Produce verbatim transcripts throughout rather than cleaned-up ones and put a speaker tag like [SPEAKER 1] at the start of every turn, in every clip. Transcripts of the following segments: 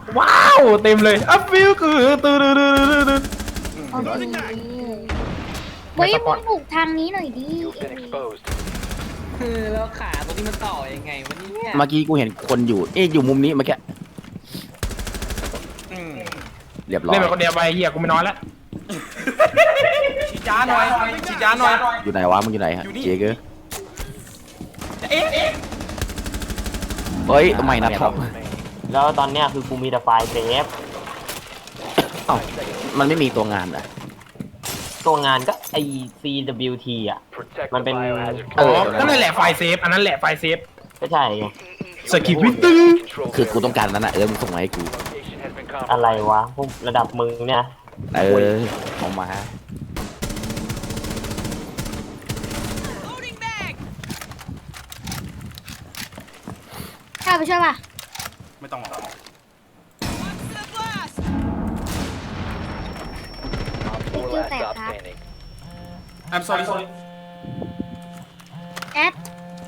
[SPEAKER 1] ว้าวเต็มเลยอัพฟิลคือตื่นตื่นตื่นตื่น
[SPEAKER 2] โอเคเฮ้ยมึงบุกทางนี้หน่อยดิเอวี
[SPEAKER 3] คือแล้วขาตรงนี้มันต่อยังไงวันนี้เนี่ย
[SPEAKER 4] เมื่อกี้กูเห็นคนอยู่เอ๊ะอยู่มุมนี้เมื่อกี้เรียบร้อย
[SPEAKER 1] เล่นไปคนเดียวไปเหี้ยกูไม่นอนแล้ว
[SPEAKER 5] ฉีดยาหน่อยฉีดยาหน่อย
[SPEAKER 4] อยู่ไหนวะมึงอยู่ไหนฮะเจ๊เกอร์
[SPEAKER 5] เอ๊ะ
[SPEAKER 4] เฮ้ยทำไมนะท็อป
[SPEAKER 6] แล้วตอนเนี้ยคือกูมีแต่ไฟล์เซฟ
[SPEAKER 4] เอ้ามันไม่มีตัวงานเหรอ
[SPEAKER 6] ตัวงานก็ไอ ซี ดับเบิลยู ที อ่ะ มันเป็น
[SPEAKER 1] อ๋อนั่นแหละไฟล์เซฟอันนั้นแหละไฟล์เซฟ
[SPEAKER 6] ก็ใช่ไง
[SPEAKER 1] สกิปวิตตื้อ
[SPEAKER 4] คือกูต้องการนั้นนะเออมึงส่งมาให้กู
[SPEAKER 6] อะไรวะพวกระดับมึงเนี่ย
[SPEAKER 4] เออเอามา
[SPEAKER 2] ข้าไปช่วยป่ะ
[SPEAKER 5] ไม่ต้องหรอก
[SPEAKER 2] สกิลแตกครับ
[SPEAKER 5] I'm sorry sorry
[SPEAKER 2] แอด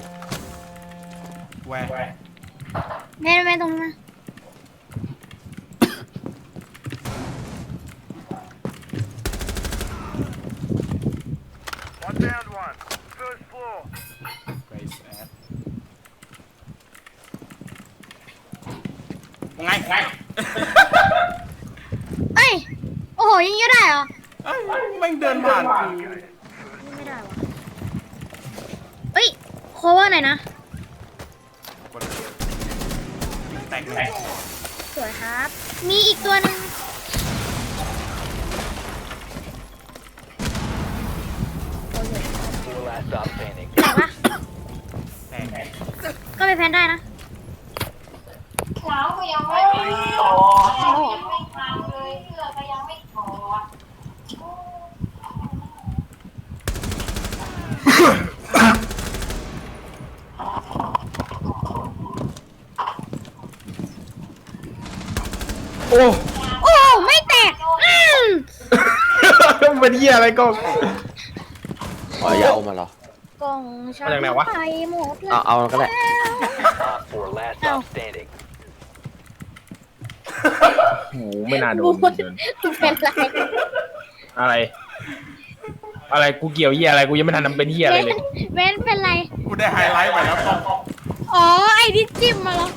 [SPEAKER 5] where
[SPEAKER 2] แม่แม่ตรงนี้มา
[SPEAKER 5] Place at ไงไง
[SPEAKER 2] เอ้ยโอ้โหยิงเยอะได้เหรอ
[SPEAKER 5] เอ้ยแม่งเดินผ่านกู
[SPEAKER 2] ยิงไม่ได้วะเอ้ยโคเวอร์หน่อยนะ
[SPEAKER 5] แตกเลย
[SPEAKER 2] สวยครับ มีอีกตัวหนึ่งแต่ว่า
[SPEAKER 5] แตก
[SPEAKER 2] ก็ไปแพนได้นะ
[SPEAKER 1] โอ้
[SPEAKER 2] โอ้ไม่แตกอืม
[SPEAKER 1] เป็นเหี้ยอะไรก็
[SPEAKER 4] ขออย่าเอามาเหรอก
[SPEAKER 2] ล่องฉัน
[SPEAKER 1] มาจากไหนวะ
[SPEAKER 2] ไปหมดแล้ว
[SPEAKER 4] เอาเอาก็ได้
[SPEAKER 1] โหไม่น่าโด
[SPEAKER 2] บู
[SPEAKER 1] น
[SPEAKER 2] ดเป็นไร
[SPEAKER 1] อะไร อะไรกูเกี่ยวเหี้ยอะไรกูยังไม่ทันทำเป็นเหี้ยอะไรเลย
[SPEAKER 2] เว้นเป็นไร
[SPEAKER 5] กูได้ไฮไลท์ไปแล้วก็
[SPEAKER 2] อ๋อ ไอ้ที่จิ้มมาแล้ว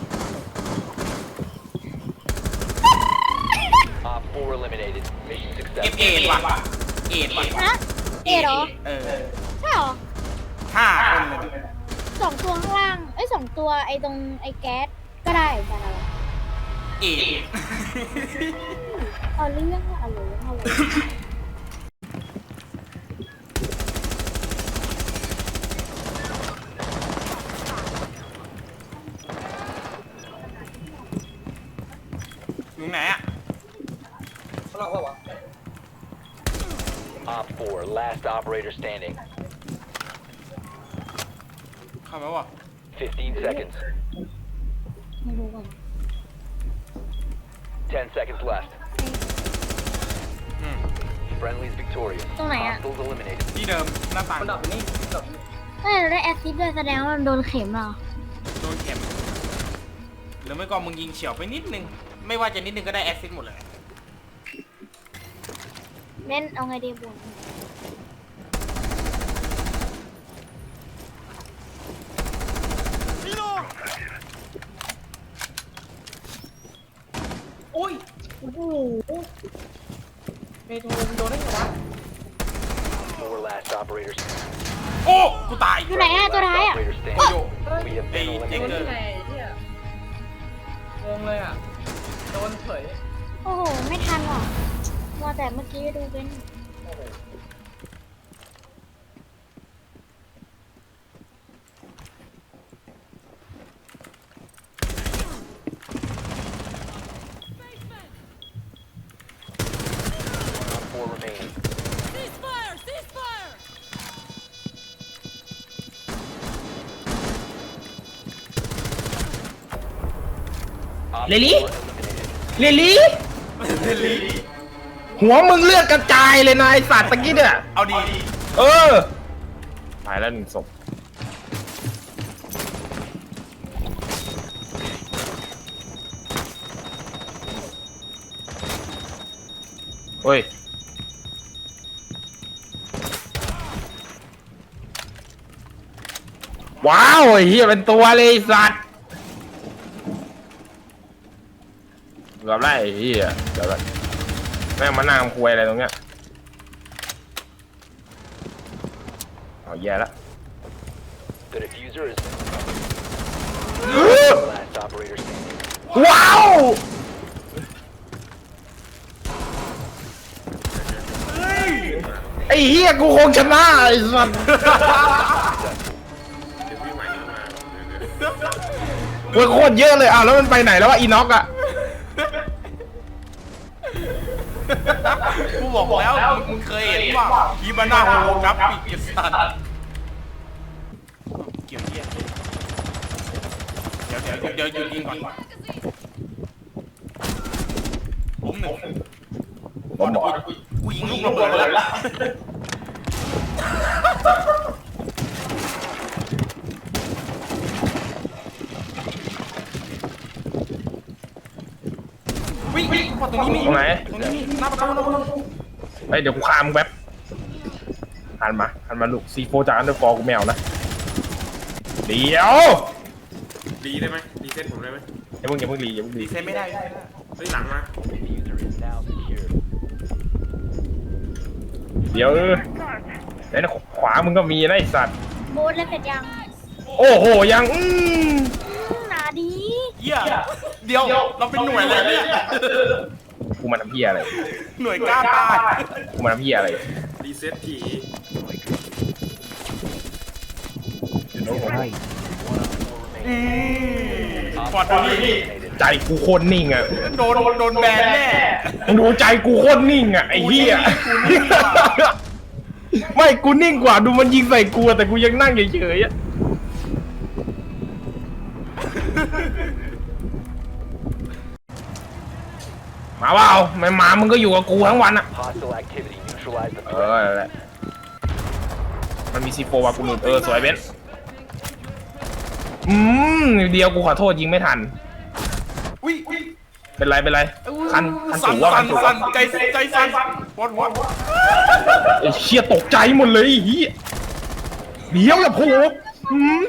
[SPEAKER 5] เก็บเอ็ดว่ะเอ็ดว่ะ
[SPEAKER 2] ฮะ เอ็ดเหรอ
[SPEAKER 5] เออ
[SPEAKER 2] ใช่เหรอ
[SPEAKER 5] ห้าคนเลย
[SPEAKER 2] สองตัวข้างล่าง เอ้ยสองตัวไอ้ตรงไอ้แก๊สก็ได้เหมือนกันอะไร
[SPEAKER 5] เอ็ด
[SPEAKER 2] เอาเรื่องเอาเรื่องเอาเรื่อง
[SPEAKER 5] อยู่ไหนอะ
[SPEAKER 7] Op four, last operator standing.
[SPEAKER 5] เข้ามาว่ะ
[SPEAKER 7] Fifteen seconds.
[SPEAKER 2] ไม่รู้ก่อน
[SPEAKER 7] Ten seconds left.
[SPEAKER 5] อืม
[SPEAKER 7] Friendly's victorious.
[SPEAKER 2] ตรงไหนอะ
[SPEAKER 7] Hostiles eliminated.
[SPEAKER 5] ที่เดิมหน้าต่าง
[SPEAKER 2] เอ้ยเราได้แอสซิดด้วยแสดงว่ามันโดนเข็มเหรอ
[SPEAKER 5] โดนเข็มหรือไม่ก็มึงยิงเฉียวไปนิดนึง ไม่ว่าจะนิดนึงก็ได้แอสซิสต์หมดเลย
[SPEAKER 2] เล่นเอาไงดีบุญ
[SPEAKER 3] โอ้ย
[SPEAKER 2] โอ้โห
[SPEAKER 3] เมทูโดนได้ไงวะ
[SPEAKER 7] Four last operators.
[SPEAKER 5] โอ้ กูตาย
[SPEAKER 2] อยู่ไหนอะตัวร้ายอะ
[SPEAKER 7] Operator
[SPEAKER 5] โอ้
[SPEAKER 7] standing.
[SPEAKER 5] โย
[SPEAKER 7] We have been
[SPEAKER 5] เจ๊ง
[SPEAKER 3] โดน
[SPEAKER 5] เล
[SPEAKER 3] ได้
[SPEAKER 7] eliminated.
[SPEAKER 3] ไงเนี่ยงงเลยอ่ะ โดนเฉย
[SPEAKER 2] โอ้โห ไม่ทันหรอกมัวแต่เมื่อกี้ดูเป็น
[SPEAKER 7] Op four remaining.
[SPEAKER 1] เลลี่เลลี่หัวมึงเลือดกระจายเลยนะไอสัตว์ตะกี้เนี่ย
[SPEAKER 5] เอาดี
[SPEAKER 1] เออตายแล้วหนึ่งศพเฮ้ยว้าวไอ้เหี้ยเป็นตัวเลยไอ้สัตว์เกือบได้ไอ้เหี้ยเกือบได้แม่งมานั่งคุยอะไรตรงเนี้ยเอาแย่ละ
[SPEAKER 7] The diffuser is last operator standing.
[SPEAKER 1] ว้าวไอ้เหี้ยกูคงชนะไอ้สัตว์เว้ยโคตรเยอะเลยอ้าวแล้วมันไปไหนแล้ววะอีน็อกอะ
[SPEAKER 5] กูบอกแล้วมึงเคยเห็นว่าคีบาน่าโฮโลกราฟิกไอ้สัตว์เกี่ยวเหี้ยเดี๋ยวเดี๋ยวเดี๋ยวหยุดยิงก่อนผมหนึ่ง
[SPEAKER 1] ผมบอก
[SPEAKER 5] กูยิงลูกระเบิดแล้ววิ่งวิ่งพอตรงนี้มี
[SPEAKER 1] ตรงไหน
[SPEAKER 5] ตรงนี้มีหน้าประตูหน้าประตู
[SPEAKER 1] เฮ้ยเดี๋ยวกูฆ่ามึงแป๊บหันมาหันมาลูกซีโฟจากอันเดอร์ฟอร์กูแมวนะเดี๋ยว
[SPEAKER 8] รีได้ไหมรีเซ็ตผมได้ไหม
[SPEAKER 1] อย่าเพิ่งอย่าเพิ่งรีอย่าเพิ่งรี
[SPEAKER 5] ดีเซนไม่ได้
[SPEAKER 8] เฮ้ยหลังมา
[SPEAKER 7] Diffuser is now secured.
[SPEAKER 1] เดี๋ยวเออเดี๋ยวขวามึงก็มีนะไอ้สัตว์
[SPEAKER 2] โบสแล้วเสร็จยัง
[SPEAKER 1] โอ้โหยังอืม
[SPEAKER 2] หนาดี
[SPEAKER 5] เหี้ยเดี๋ยวเราเป็นหน่วยอะไรเนี่ย
[SPEAKER 1] กูมาทำเพี้ยอะไร
[SPEAKER 5] หน่วยกล้าตาย
[SPEAKER 1] กูมาทำเพี้ยอะไร
[SPEAKER 8] รีเซ็ตที
[SPEAKER 5] อืมปอดตรงนี้
[SPEAKER 1] ใจกูโคตรนิ่งอ่ะ
[SPEAKER 5] โดนโดนแบนแน่
[SPEAKER 1] มึงดูใจกูโคตรนิ่งอ่ะไอ้เหี้ยไม่กูนิ่งกว่าดูมันยิงใส่กูอะแต่กูยังนั่งเฉยๆอ่ะมาเปล่าไม่มามึงก็อยู่กับกูทั้งวันอ่ะ
[SPEAKER 7] Hostile activity. Neutralize the
[SPEAKER 1] เอ
[SPEAKER 7] threat.
[SPEAKER 1] อนั่นแหละมันมีซีโฟวากูนูนเออสวยเบนอืมเดียวกูขอโทษยิงไม่ทัน
[SPEAKER 5] อุ้ยอุ้ย
[SPEAKER 1] เป็นไรเป็นไรคันคัน
[SPEAKER 5] สั่
[SPEAKER 1] สู
[SPEAKER 5] น
[SPEAKER 1] งว่าคั
[SPEAKER 5] สั่
[SPEAKER 1] น
[SPEAKER 5] น
[SPEAKER 1] สูง
[SPEAKER 5] สั่นใจใจสั่นปวดหัว
[SPEAKER 1] ไอ้เชี่ยตกใจหมดเลยไอ้เฮียเดี๋ยวอย่าโผล่อืม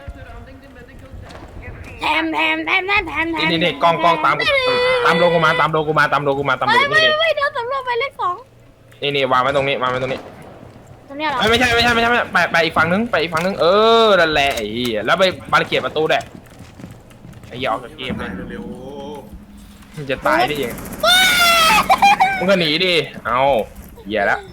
[SPEAKER 2] แถมแถมแถมแถมแถมแถม
[SPEAKER 1] นี่นี่กล้องกล้องตามกูตามโลกูมาตามโลกูมาตามโลกูมาตามโล
[SPEAKER 2] ไม่
[SPEAKER 1] กู
[SPEAKER 2] ไม่
[SPEAKER 1] นี่
[SPEAKER 2] ไม่เดี๋ยวสำรวจไปเลขสอง
[SPEAKER 1] นี่นี่วางไว้ตรงนี้วางไว้ตรงนี้
[SPEAKER 2] ตรงเนี้ยเหรอ
[SPEAKER 1] ไม่ไม่ใช่ไม่ใช่ไม่ใช่ไม่ใช่ไปไปอีกฝั่งนึงไปอีกฝั่งนึงเออนั่นแหละไอ้เหี้ยแล้วไปบาริเกตประตูด้วยไอ้เหี้ยออกจากเกมเลย
[SPEAKER 8] เร็ว
[SPEAKER 1] มึงจะตายได้ยังมึงก็หนีดิเอาเหี้ยแล้ว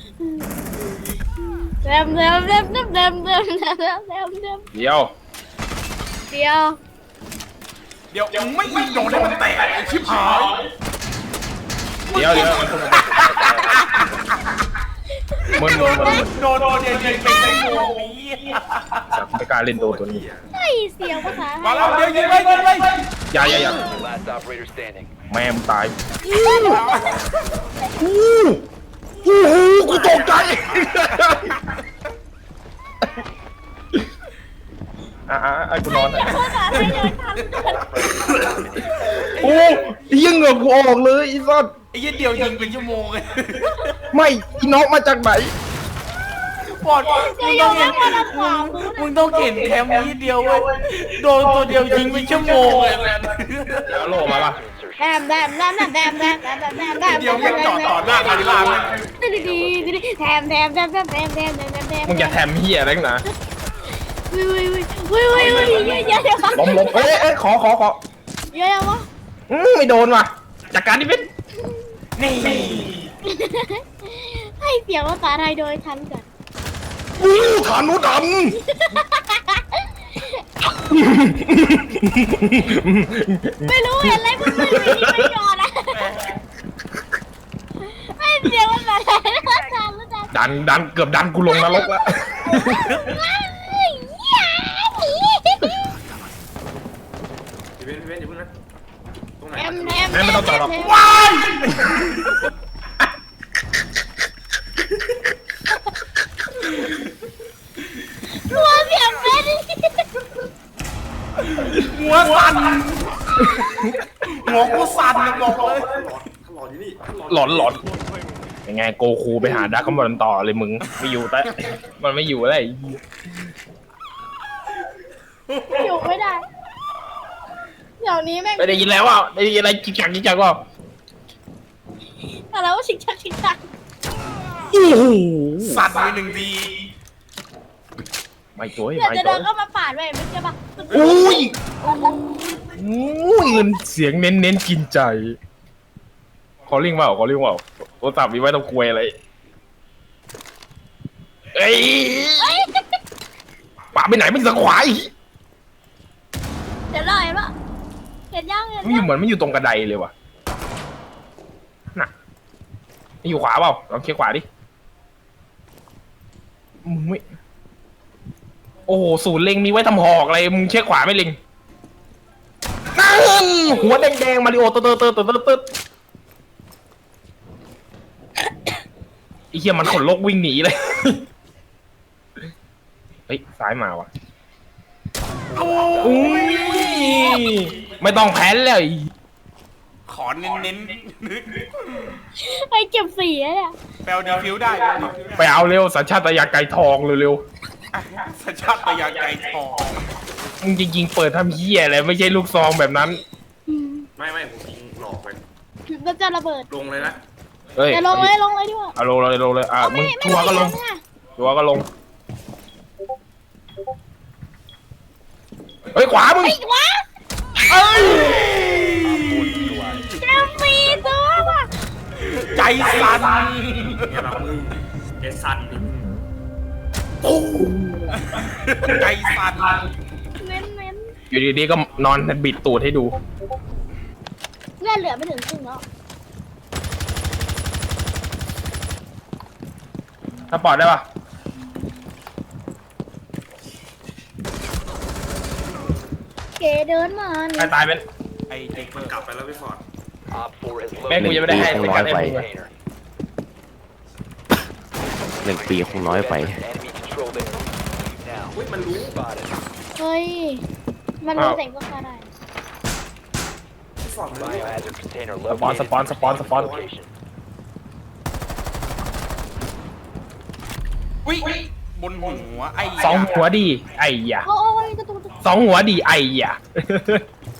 [SPEAKER 2] แถมแถมแถมแถมแถมแถมแถมแถมแถมแถม
[SPEAKER 1] เดี๋ยว
[SPEAKER 2] เดี๋ยว
[SPEAKER 5] เดี๋ยวยังไม่ยิงโดนให้มันแตกไอ้ชิบหาย
[SPEAKER 1] เดี๋ยวเดี๋ยวมึง
[SPEAKER 5] โด
[SPEAKER 1] มึง
[SPEAKER 5] นโดนโดนเนี่ยยิงเป็นไอ้โง่นี้
[SPEAKER 1] ไม่กล้าเล่นตัวตัวนี้
[SPEAKER 2] ไอ้เสียงภาษา
[SPEAKER 5] มาแล้วเดี๋ยวยิงเลยยิงเลย
[SPEAKER 1] อย่าอย่าอย่า
[SPEAKER 7] Last operator standing.
[SPEAKER 1] แม่มึงตายกูกูกูตกใจอ่ะอ่ะอ่ะกูนอนอ่ะ
[SPEAKER 2] ภาษาไม่เลยทัน
[SPEAKER 1] โอ้ยังเหงือกกูออกเลยอีสัส
[SPEAKER 5] ไอ้ยี่เดียวยิงเป็นชั่วโมงเลย
[SPEAKER 1] ไม่อีน้องมาจากไหน
[SPEAKER 5] ปอดมึงต้องเห็นมึงต้องเห็นแคมป์ยี่เดียวเว้ยโดนตัวเดียวยิงเป็นชั่วโมงเลยแมน
[SPEAKER 1] แล้วโลมาปะ
[SPEAKER 2] แถมแถมแถมแถมแถมแถมแถมแถมแถม
[SPEAKER 5] เดียวไม่จอดต่อหน้าคาริลาเลย
[SPEAKER 2] ดีดีดีแถมแถมแถมแถมแถมแถมแถมแถม
[SPEAKER 1] มึงอย่าแถมเฮียอะไรนะ
[SPEAKER 2] วิววิววิววิววิวเยอะเยอะเยอะ
[SPEAKER 1] ล้มล้มเอ้ยเอ้ยขอขอขอ
[SPEAKER 2] เยอะวะ
[SPEAKER 1] อืมไม่โดนว่ะจากการที่เป็น
[SPEAKER 5] นี่
[SPEAKER 2] ให้เสียงภาษาไทยโดยทันก่อน
[SPEAKER 1] อู้ฐานุด
[SPEAKER 2] ไม่รู้เห็นอะไรมึงไม่ไม่ยอมนะให้เสียงภาษาไทยทันทัน
[SPEAKER 1] ำดันดันเกือบดันกูลงนรกแล้ว
[SPEAKER 8] พี่เบนพี่เบนอย่าเพิ่งนะตรงไหน
[SPEAKER 2] แถมแถม
[SPEAKER 1] แม่ไม่ต้องจอดหรอก
[SPEAKER 5] ว้าย
[SPEAKER 2] รัวเสียงเป็น
[SPEAKER 5] หัวสั่นหัวกูสั่นเลยบอกเลย
[SPEAKER 8] หลอดที่นี่
[SPEAKER 1] หลอนหลอน
[SPEAKER 8] ห
[SPEAKER 1] ยังไงโกคูไปหาดักคอมบอลต่อเลยมึงไม่อยู่แต่ มันไม่อยู่อะไร
[SPEAKER 2] อยู่ไม่ได้ เดี๋ยวนี้แม่ง
[SPEAKER 1] ไม่ได้ยินแล้วว่าได้ยินอะไรจิกจักจิกจักว่า
[SPEAKER 2] อะไรว่าชิกชักชิกชัก
[SPEAKER 5] สัตว์ไปหนึ่งที
[SPEAKER 1] ไม่ตัว
[SPEAKER 2] เดี๋ยว
[SPEAKER 1] ไม่
[SPEAKER 2] จะ
[SPEAKER 1] ตั
[SPEAKER 2] เดิ
[SPEAKER 1] วน
[SPEAKER 2] เข้ามาปาดไว้ไม่ใช่ปะ
[SPEAKER 1] อุ้ยอุ้ยเงินเสียงเน้นเน้นกินใจขอลิงว่าขอลิงว่าโทรศัพท์มีไว้ต้องคุยอะไรเอ้ยป่าไปไหนไม่สังขวาย
[SPEAKER 2] เดี๋ยวรอเห็นปะเห็นยังเห็น
[SPEAKER 1] มันอ
[SPEAKER 2] ยั
[SPEAKER 1] ยู่
[SPEAKER 2] ง
[SPEAKER 1] เหมือนไม่อยู่ตรงกระไดเลยว่ะน่ะมันอยู่ขวาเปล่าลองเช็คขวาดิมึงไม่โอ้โหศูนย์เล็งมีไว้ทำหอกอะไรมึงเช็คขวาไม่เล็งนั่นหัวแดงๆมาริโอเตอร์เตอร์เตอร์เตอร์เตอร์เตอร์ไอ้เหี้ยมันขนลกวิ่งหนีเลยเฮ้ยซ้ายมาว่ะอุ้ยไม่ต้องแพ้นเลย
[SPEAKER 5] ขอเน้นเน้น
[SPEAKER 2] ไอ้เก็บสีอะเนี่ย
[SPEAKER 5] ๆแปลดีฟิวได้แปลดีฟิว
[SPEAKER 1] ไปเอาเร็วสัญชาตญาณไก่ทองเร็ว
[SPEAKER 5] สัญชาตญาณไก่ทอง
[SPEAKER 1] ๆมึงจริงๆเปิดทำเหี้ยอะไรไม่ใช่ลูกซองแบบนั้น
[SPEAKER 2] อืม
[SPEAKER 8] ไม่ไม่ผมยิงหลอกไป
[SPEAKER 2] แล้วจะระเบิด
[SPEAKER 8] ลงเลยนะ
[SPEAKER 1] เฮ้ย
[SPEAKER 2] เดี๋ยวลงเลยลงเลยดีกว่า
[SPEAKER 1] เอาลงเลยลงเลยอ่ะ
[SPEAKER 2] เอา
[SPEAKER 1] มึ
[SPEAKER 2] ไม่
[SPEAKER 1] ง
[SPEAKER 2] ไม่
[SPEAKER 1] ชัวร์ก็ลง
[SPEAKER 2] ไม่ได้
[SPEAKER 1] ชัวร์ก็ลงเฮ้ยขวามึง
[SPEAKER 2] ไอ้วะ
[SPEAKER 1] เอ้ย
[SPEAKER 2] เจมมีตัวว่ะ
[SPEAKER 5] ใจสั่น
[SPEAKER 8] เนี่ยแบบมึงเอสันนี่
[SPEAKER 5] ใจสั่น
[SPEAKER 2] เน้นเน้น
[SPEAKER 1] อยู่ดีๆก็นอนบิดตูดให้ดู
[SPEAKER 2] เลือดเหลือไม่ถึงครึ่งแล้ว
[SPEAKER 1] ถ้าปอดได้ปะ
[SPEAKER 2] เก๋เดินมา
[SPEAKER 1] ใคร
[SPEAKER 2] เนี่ย
[SPEAKER 1] ตายเป็น
[SPEAKER 5] ไอ้เจ๊เปอร์
[SPEAKER 8] กลับไปแล้วพี่ฟอร์ด
[SPEAKER 7] Op four has
[SPEAKER 1] แม่งกู
[SPEAKER 7] located
[SPEAKER 1] ยังไม่ได้ให้
[SPEAKER 4] หนึ่
[SPEAKER 1] เป็น
[SPEAKER 4] ง
[SPEAKER 1] การ
[SPEAKER 4] ร้อย
[SPEAKER 1] เอ็ม
[SPEAKER 4] ไป
[SPEAKER 1] เลย
[SPEAKER 7] container.
[SPEAKER 4] หนึ่งปีคงน้อยไป
[SPEAKER 7] Enemy controlled area. Now.
[SPEAKER 8] อุ้ยมันรู้
[SPEAKER 7] Spotted.
[SPEAKER 2] เฮ้ย มันรู้แต่งก็ฆ่าได้
[SPEAKER 8] พี่ฟอร์ดมันรู้
[SPEAKER 7] Biohazard container
[SPEAKER 1] สปอน
[SPEAKER 7] located.
[SPEAKER 1] สปอนสปอนสปอน
[SPEAKER 7] Location.
[SPEAKER 5] อุ้ยบนหัวไอ้
[SPEAKER 1] สองหัวดีไอ้ยะ
[SPEAKER 2] โอ้ยกระตุกกระตุก
[SPEAKER 1] สองหัวดีไอ้ยะ